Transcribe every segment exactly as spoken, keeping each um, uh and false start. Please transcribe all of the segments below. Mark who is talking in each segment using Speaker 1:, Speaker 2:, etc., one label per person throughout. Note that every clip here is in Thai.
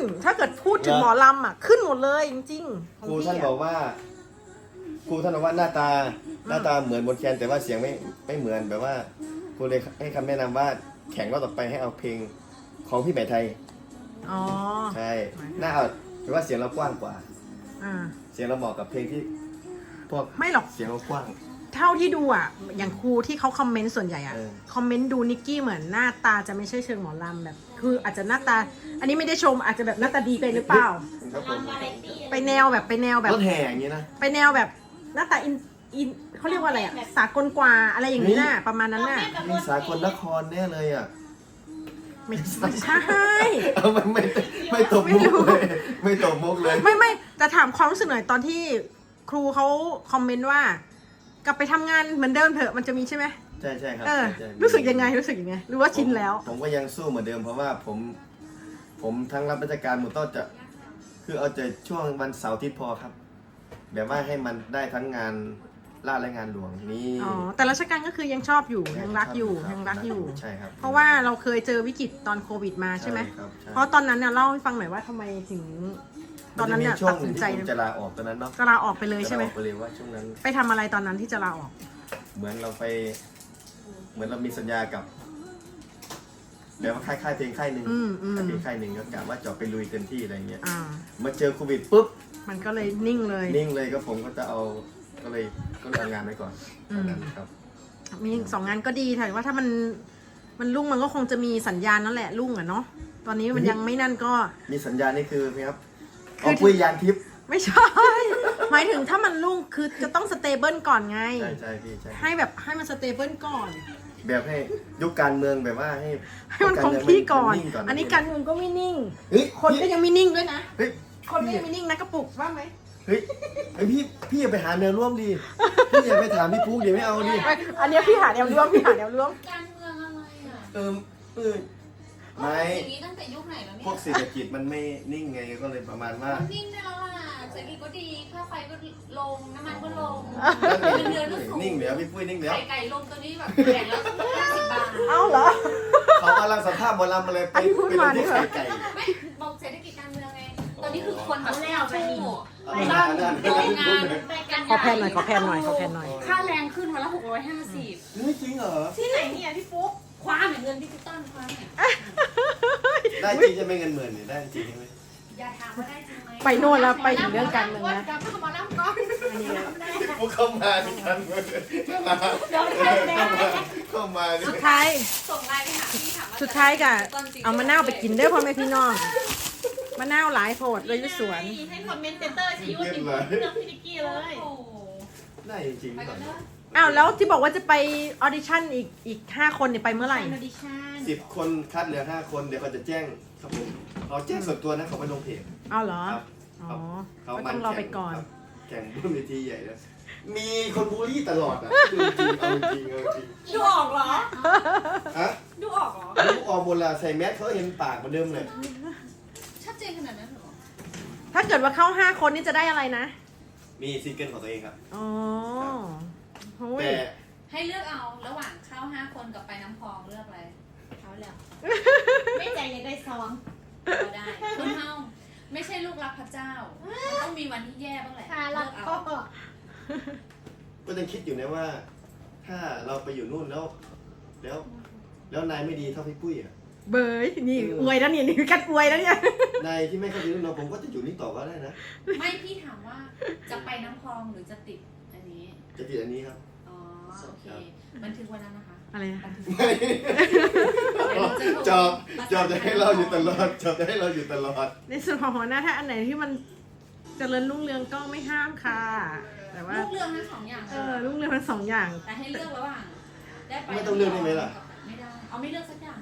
Speaker 1: ถ้าเกิดพูดถึงหมอลำอ่ะขึ้นหมดเลยจริงๆ
Speaker 2: ครูท่านบอกว่าครูท่านบอกว่าหน้าตาหน้าตาเหมือนบนแคนแต่ว่าเสียงไม่ไม่เหมือนแบบว่าครูเลยให้คำแนะนำว่าแข่งรอบต่อไปให้เอาเพลงของพี่ใหม่ไทย
Speaker 1: อ๋อ
Speaker 2: ใช่หน้าเอาแปลว่าเสียงเรากว้างกว่า
Speaker 1: อ่า
Speaker 2: เสียงเราเหมาะกับเพลงที่พวก
Speaker 1: ไม่หรอก
Speaker 2: เสียงเรากว้าง
Speaker 1: เท่าที่ดูอ่ะอย่างครูที่เขาคอมเมนต์ส่วนใหญ่อ่ะ
Speaker 2: เออ
Speaker 1: คอมเมนต์ดูนิกกี้เหมือนหน้าตาจะไม่ใช่เชิงหมอลำแบบ คืออาจจะหน้าตา อันนี้ไม่ได้ชมอาจจะแบบหน้าตาดีไปหรือเปล่า
Speaker 2: ครับผม
Speaker 1: ไปแนวแบบไปแนวแบบ
Speaker 2: รถแห่อย่างนี้นะ
Speaker 1: ไปแนวแบบหน้าตาอินอินเขาเรียกว่าอะไรอ่ะสากลกว่าอะไรอย่างนี้น่ะประมาณนั้นน่ะ
Speaker 2: มีสากลนครแน่เลยอ่ะ
Speaker 1: ไม่ไม่ใช่
Speaker 2: เอาไม่ไม่ไม่ตบมุกเลยไม่ตบมุกเลย
Speaker 1: ไม่ไม่แต่ถามความรู้สึกหน่อยตอนที่ครูเขาคอมเมนต์ว่า กลับไปทำงานเหมือนเดิมเถอะมันจะมีใช่ไหม
Speaker 2: ใช่ใช่ครับ
Speaker 1: เออ
Speaker 2: ใช่ใช่
Speaker 1: รู้สึกยังไงรู้สึกยังไงหรือว่าชินแล้ว
Speaker 2: ผมผมก็ยังสู้เหมือนเดิมเพราะว่าผม ผมทั้งรับราชการหมดต้องจะ คือเอาแต่ช่วงวันเสาร์อาทิตย์พอครับ แบบว่าให้มันได้ทั้งงานราชและงานหลวงนี่
Speaker 1: อ๋อแต่ราชการก็คือยังชอบอยู่ยังรักอยู่
Speaker 2: คบ
Speaker 1: ยังรักอยู่
Speaker 2: ใช่ครับ
Speaker 1: เพราะว่าเราเคยเจอวิกฤตตอนโควิดมาใช่ไหม
Speaker 2: ครับใช่
Speaker 1: เพราะตอนนั้นเนี่ยเล่าให้ฟังหน่อยว่าทำไมถึง ตอนนั้นเนี่ย
Speaker 2: มัจะมีช่ว
Speaker 1: ตั
Speaker 2: ง
Speaker 1: ดสินใจ
Speaker 2: ที่ผมจะลาออกตอนนั้นเนาะ
Speaker 1: จะลาออกไปเลยใช่ไหม
Speaker 2: จะลาออกไปเลยว่าช่วงนั้น
Speaker 1: ไปทำอะไรตอนนั้นที่จะลาออก
Speaker 2: เหมือนเราไป เหมือนเรามีสัญญากับแบบว่าค่ายค่ายเพลงค่ายหนึ่ง
Speaker 1: อืมอืม
Speaker 2: ค่ายเพลงค่ายหนึ่งก็กะว่าจะไปลุยเต็มที่อะไรเงี้ย
Speaker 1: อ่า
Speaker 2: มาเจอโควิดปุ๊บ
Speaker 1: มันก็เลยนิ่งเลย
Speaker 2: นิ่งเลยก็ผมก็จะเอาก็เลยก็เลยเอางานไปก่อน
Speaker 1: อืม
Speaker 2: ตอนนั้นครับ
Speaker 1: มีสองงานก็ดีแต่ว่าถ้ามันมันรุ่งมันก็คงจะมีสัญญาณนั่นแหละรุ่งอ่ะเนาะตอนนี้มันยังไม่นั่นก็
Speaker 2: มีสัญญาณนี่คือไหมครับ
Speaker 1: คือ
Speaker 2: เอาปุ้ยยานทิพย์
Speaker 1: ไม่ใช่ หมายถึงถ้ามันรุ่งคือจะต้องสเตเบิลก่อนไง
Speaker 2: ใช่ใช่พี่ใช่
Speaker 1: ให้แบบให้มันสเตเบิลก่อน
Speaker 2: แบบให้ยุคการเมืองแบบว่าให้
Speaker 1: ให้มันคงที่ก่อน
Speaker 2: มัง
Speaker 1: อันนี้การเมืองก็ไม่นิ่ง
Speaker 2: เฮ้ย
Speaker 1: คนก็
Speaker 2: พี่
Speaker 1: ยังไม่นิ่งด้วยนะ
Speaker 2: เฮ้ย
Speaker 1: คนก็ยังไม่นิ่งนะกระปุกว่าไหม
Speaker 2: เฮ้ยเฮ้ยพี่พี่อย่าไปหาแนวร่วมดิพี่อย่าไปถามพี่ปุ๊กเดี๋ยวไม่เอาดิ
Speaker 1: ไม่อันเนี้ยพี่หาแนวร่วมพี่หาแนวร่วม
Speaker 3: การเมืองอะไรอ่ะ
Speaker 2: เออเออไม่
Speaker 3: อย่างนี้ตั้งแต่ยุคไหนแล้วเนี่
Speaker 2: พวก
Speaker 3: ย
Speaker 2: เศรษฐกิจมันไม่นิ่งไงก็เลยประมาณว่า
Speaker 3: มันนิ่งได้แล้วล่ะเศรษฐกิจก็ดีค่าไฟก็ลงน้ำมันก็ลง
Speaker 2: นั่น
Speaker 3: เงินเดือนก็
Speaker 2: เอง
Speaker 3: สูง
Speaker 2: นิ่งเดี๋ยวพี่ปุ้ยนิ่งเดี๋ยว
Speaker 3: ไก่ไก่ลงตัวนี้แบบแพงแล้วห้าสิบบาท
Speaker 1: เอ้าเหรอ
Speaker 2: เขากำลังสัมภาษณ์หมอลำมาเลยไป
Speaker 1: อันนี้พูด
Speaker 2: ไป
Speaker 1: มา
Speaker 2: ลงที่
Speaker 1: นี่เหรอ
Speaker 2: ไข่ไก่
Speaker 3: ไม่บอกเศรษฐกิจการเมืองไงตอนนี้คือคนแบบแล้วไปนี่
Speaker 2: เอา
Speaker 3: สร้าง
Speaker 2: เอา
Speaker 3: โรงงาน
Speaker 1: ขอแพนหน่อยขอแพนหน่อยขอแพนหน่อย
Speaker 3: ค่าแรงขึ้นวันละหกร้อยห้าสิบ
Speaker 2: ไม่จริงเหรอ
Speaker 3: ที่ไหนเนี่ยพี่ฟุ๊กคว้าเหมือนเงินดิจิตอลคว้าเนี่ย
Speaker 2: ได้จริงใช่ไหมเงินหมื่นเนี่ยได้จริงใช่ไหม
Speaker 3: อย่าถามว่าได้จริงไหม
Speaker 1: ไปโน่นแล้วไปถึงเรื่องการเมืองนะ
Speaker 3: กลับมาน้ำก่อน
Speaker 1: อันนี้เลย
Speaker 2: พี่ปุ๊กเข้ามาดิกันเมือง
Speaker 3: เดี๋ยวให้แม่
Speaker 2: เข้ามาดิ
Speaker 1: สุดท้าย
Speaker 3: ส่งไลน์ไปหาพี่ถามว่า
Speaker 1: สุดท้ายกะเอามะนาวไปกินเด้อพ่อแม่พี่น้องมะนาวหลายโพดเลยอยุสวน
Speaker 3: ให้คอมเมนเตอร์ชี้ว่าเป็นเรื่องพี่นิกกี้เลยโอ้โห
Speaker 2: ได้จริง
Speaker 3: ไป
Speaker 2: ก่
Speaker 3: กั
Speaker 2: อน น
Speaker 3: เถอะ
Speaker 1: อ้าวแล้วที่บอกว่าจะไปออดิชั่นอีกอีกห้าคนเนี่ยไปเมื่อไหร่
Speaker 3: ออดิชั่น
Speaker 2: สิบคนคัดเหลือห้าคนเดี๋ยวเขาจะแจ้งครับผมเขาแจ้งส่วนตัวนะเขาไปลงเพจ
Speaker 1: อ้าวเหรอ
Speaker 2: ครับ
Speaker 1: อ๋อ
Speaker 2: เขา
Speaker 1: ก็
Speaker 2: มั
Speaker 1: ต้องรอไปก่อน
Speaker 2: ครับแข่งบนเวทีใหญ่แล้วมีคนบูลลี่ตลอดอ่ะจริงจริงเอาจริงเอาจริง
Speaker 3: ดูออกเหรอ
Speaker 2: ฮะ
Speaker 3: ดูออกเหรอ
Speaker 2: ลูกออมโบราณใส่แมสเขาเห็นปากเหมือนเดิมเลย
Speaker 3: ชัดเจนขนาดนั้นเหรอ
Speaker 1: ถ้าเกิดว่าเข้าห้าคนนี่จะได้อะไรนะ
Speaker 2: มีซิงเกิลของตัวเองครับ
Speaker 1: อ๋อโอ้ย
Speaker 2: แต่
Speaker 3: ให้เลือกเอาระหว่างเข้าห้าคนกับไปน้ำพองเลือกอะไรเขาแล้วไม่ใจยังได้ซองก็ได้คุณเฮาไม่ใช่ลูกรักพระเจ้ามันต้องมีวันที่แย่บ้างแหละเลือกเอา
Speaker 2: ก็ยังคิดอยู่นะว่า ถ้าเราไปอยู่นู่นแล้ว แล้ว แล้วนายไม่ดีเท่าพี่ปุ้ยอ่ะ
Speaker 1: เบยนี่อวยแล้วเนี่ยนี่กัดอวยแล้วเนี่ย
Speaker 2: นายที่ไม่เข้าใจนู่นเราผมก็จะอยู่นี่ต่อก็ได้นะ
Speaker 3: ไม่พี่ถามว่าจะไปน้ำพองหรือจะติดอันนี้
Speaker 2: จะติดอันนี้ครับ
Speaker 3: อ๋อโอเคบันทึกวันนั้นนะคะ
Speaker 1: อะไรนะ
Speaker 3: บันทึก
Speaker 2: ไม่จอบจอบจะให้เราอยู่ตลอดจอบจะให้เราอยู่ตลอด
Speaker 1: ในส่วนของหัวหน้าถ้าอันไหนที่มันเจริญรุ่งเรืองก็ไม่ห้ามค่ะ แต่ว่า
Speaker 3: ลูกเรื่องทั้งสองอย่าง
Speaker 1: เออรุ่งเรืองทั้งสองอย่าง
Speaker 3: แต่ให้เลือกระหว่างได้ไป
Speaker 2: ไม่ต้องเลือกได้ไหมล่ะ
Speaker 3: ไม่ได้เอาไม่เลือกสักอย่าง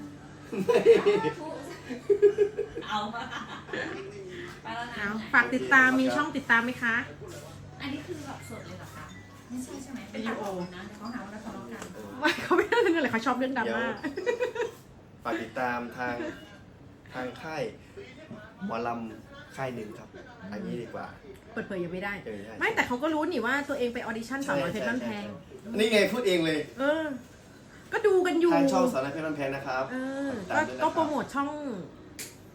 Speaker 3: เอามาไปแล้วนะ
Speaker 1: เอาฝากติดตามมีช่องติดตามไหมคะ
Speaker 3: อันนี้คือแบบสดเลยเหรอคะไม่ใช่ใช่ไหมเป็นวิดีโอนะเขาหาว่าเราทะเลาะกัน
Speaker 1: ไม่เขาไม่ได้เรื่องอะไรเขาชอบเรื่องดราม่า
Speaker 2: ฝากติดตามทางทางค่ายหมอลำค่ายหนึ่งครับ อันนี้ดีกว่า
Speaker 1: เปิดเผยยังไม่ได้
Speaker 2: เออใช่
Speaker 1: ไม่แต่เขาก็รู้นี่ว่าตัวเองไปออดิชั่นสาวน้อยเพชรบ้านแพง
Speaker 2: นี่ไงพูดเองเลย
Speaker 1: เออ ก็ดูกันอยู่
Speaker 2: ทางช่องสารเพชรบ้านแพงนะครับ
Speaker 1: เออ
Speaker 2: ตา
Speaker 1: ก็
Speaker 2: มด้วยนะค
Speaker 1: ก็
Speaker 2: บ
Speaker 1: โปรโมทช่อง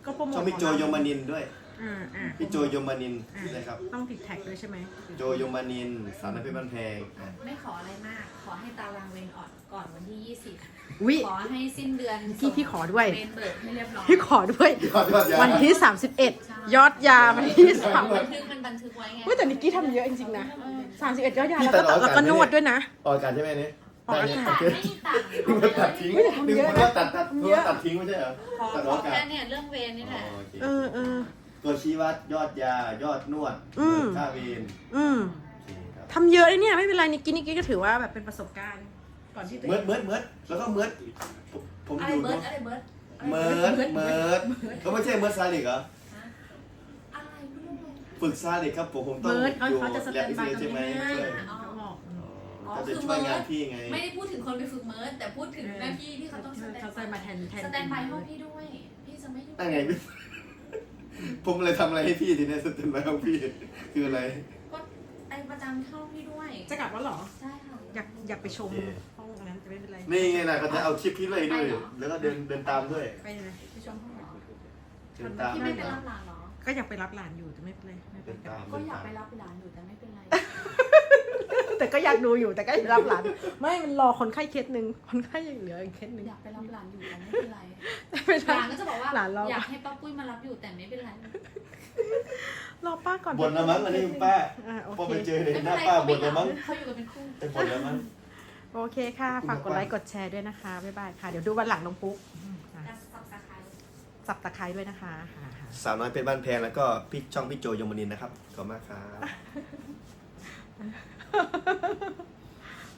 Speaker 1: ก็โปรโมท
Speaker 2: ช่องพี่โจยมนินทร์ด้วย
Speaker 1: อ่าอ่า
Speaker 2: พี่โจยมนินทร์นะครับ
Speaker 1: ต้องติดแท็กด้วยใช่ไหม
Speaker 2: โจยมนินทร์สาวน้อยเพชรบ้านแพงอ่ะ
Speaker 3: ไม่ขออะไรมาก ขอให้ตารางเวรออกก่อนวันที่ยี่สิบ
Speaker 1: วิ
Speaker 3: ขอให้สิ้นเดือน
Speaker 1: พี่พี่ขอด้วย
Speaker 3: เวรเบิกให้เรียบร้อย
Speaker 1: พี่ขอด้วย
Speaker 2: ยอดยอดยา
Speaker 1: วันที่ สามสิบเอ็ด ยอดยาวันที่สาม
Speaker 3: บันทึกมันบันทึกไว้ไง
Speaker 1: เฮ้ยแต่นิกกี้ทำเยอะจริงๆนะสามสิบเอ็ดยอดยา
Speaker 2: พี่
Speaker 1: แล้ว
Speaker 2: ตั
Speaker 1: ก็
Speaker 2: ดออก
Speaker 1: แล้วก็
Speaker 2: อากาศ
Speaker 1: นวดด้วยนะ
Speaker 2: ออกอากาศใช่ไหมเนี่ย
Speaker 1: ออกอากาศ
Speaker 2: ได้
Speaker 3: ไม่
Speaker 2: เนี่ย
Speaker 3: มีตังค์
Speaker 2: นึกว่าตัดทิ้ง
Speaker 1: ไม่ได้ทำ
Speaker 2: นึก
Speaker 1: เยอะนะ
Speaker 2: ว่าตัดตัดนึกว่าตัดทิ้งไม่ใช่เหรอ
Speaker 3: ขอ
Speaker 2: ตัด
Speaker 3: ข
Speaker 2: อ
Speaker 3: อ
Speaker 2: อกอา
Speaker 3: แค่
Speaker 2: กาศ
Speaker 3: เนี่ยเรื่องเวรนี่แหละ
Speaker 2: อ๋อโอเค
Speaker 1: เออเออ
Speaker 2: ตัวชี้วัดยอดยายอดนวด
Speaker 1: อืม
Speaker 2: ค่าเวร
Speaker 1: อืม
Speaker 2: โอเคครับ
Speaker 1: ทำเยอะเลยเนี่ยไม่เป็นไรนิกกี้นิกกี้ก็ถือว่าแบบเป็นประสบการณ์ ก่อนที่ตัว
Speaker 2: เมิ
Speaker 1: เอ
Speaker 2: ร์ด
Speaker 1: ง
Speaker 2: เมิร์ดเมิร์ดแล้วก็เมิร์ดผมผม
Speaker 3: อะไร
Speaker 2: อยู่
Speaker 3: เบิร์ดอะไรเบิร์ด
Speaker 2: เมิร์ดเมิร์ดก็ไม่ใช่เมิร์ดซาลิกเหรอ
Speaker 3: อะไรไม่รู้เลย
Speaker 2: ฝึกซาลิกครับผมผมต้อง
Speaker 1: เบิร์ดเขา
Speaker 2: อยู่
Speaker 1: เขาจะสแตนบาย
Speaker 2: ใช่ไหม
Speaker 1: ตรงนี้ให้
Speaker 2: ช่วย
Speaker 1: เขาบอก
Speaker 3: อ๋อ
Speaker 2: ก็จะ
Speaker 3: คือ
Speaker 2: ช่ว
Speaker 3: เมิ
Speaker 2: ย
Speaker 3: ร์
Speaker 2: งาน
Speaker 3: ด
Speaker 2: พี่ไง
Speaker 3: ไม่ได้พูดถึงคนไปฝึกเมิร์ดแต่พูดถึงหน้าที่ที่เขาต้องสแตน
Speaker 1: เขาใส่มาแทนแทน
Speaker 3: สแตนบายห้องพี่ด้วย พี่จะไม่ยุ่ง
Speaker 2: นั่นไงพี่ผมเลยทำอะไรให้พี่ทีเนี้ยสเต็ปแล้วของพี่คืออะไร
Speaker 3: ก็ไอประจำเข้าพี่ด้วย
Speaker 1: จะกลับแล้วเหรอ
Speaker 3: ใช่ค่ะ
Speaker 1: อยากอยากไปชม
Speaker 2: โอเค
Speaker 1: ห้องอันนั้นแต่ไม่เป็นไร
Speaker 2: นี่ไงนะเขาจะเอาคลิปพี่เลยด้วย
Speaker 3: ไปเหรอ
Speaker 2: แล้วก็เดินเดินตามด้วย
Speaker 1: ไปเลย
Speaker 3: ไปชมห้องเหรอ
Speaker 2: เดินตาม
Speaker 3: พี่
Speaker 2: ด้
Speaker 3: ไม่
Speaker 2: วย
Speaker 3: ไป
Speaker 2: นะ
Speaker 3: รับหลานเหรอ
Speaker 1: ก็อยากไปรับหลานอยู่แต่ไม่เป็นไรไม่เป็
Speaker 2: เดิ
Speaker 1: น
Speaker 2: น
Speaker 1: ไร
Speaker 2: ตาม
Speaker 3: ก็
Speaker 2: เดิน
Speaker 3: อยาก
Speaker 2: ตาม
Speaker 3: ไปรับหลานอยู่แต่ไม่เป็นไร
Speaker 1: แต่ก็อยากดูอยู่แต่ก็อยากรับหลาน ไม่มันรอคนไข้เคสหนึ่งคนไข้ยังเหลืออีกเคสหนึ่ง
Speaker 3: อยากไปรับหลานอยู่แต่ไม่เป็นไร
Speaker 1: ไม่
Speaker 3: ห
Speaker 1: ใช่
Speaker 3: ลานก็จะบอกว่า
Speaker 1: หลานรอ
Speaker 3: อยากให้ป้าปุ้ยมารับอยู่แต่ไม่เป็นไร
Speaker 1: รอป้าก่อน
Speaker 2: บ่นแล้วมั้งอันนี้ป้า
Speaker 1: อ่ะโอ
Speaker 2: พอ
Speaker 1: เค
Speaker 2: ไปเจอเลย
Speaker 3: ไม่
Speaker 2: ห
Speaker 3: เป็
Speaker 2: น้าน
Speaker 3: ไร
Speaker 2: ป้า
Speaker 3: เขา
Speaker 2: บ่นแล้วมั้ง
Speaker 3: เขาอยู่กันเป็นคู่
Speaker 2: เป็นบ่นแล้วมั้ง
Speaker 1: โอเคค่ะ ฝากกดไลค์กดแชร์ด้วยนะคะ บ๊ายบายค่ะ เดี๋ยวดูวันหลังน้องปุ๊กอ่ะ
Speaker 3: การสับตะไคร้
Speaker 1: สับตะไคร้ด้วยนะคะค่ะค่ะ
Speaker 2: สาวน้อยเป็นบ้านแพงแล้วก็พี่ช่องพี่โจยมนินทร์นะครับขอบคุณมากครับ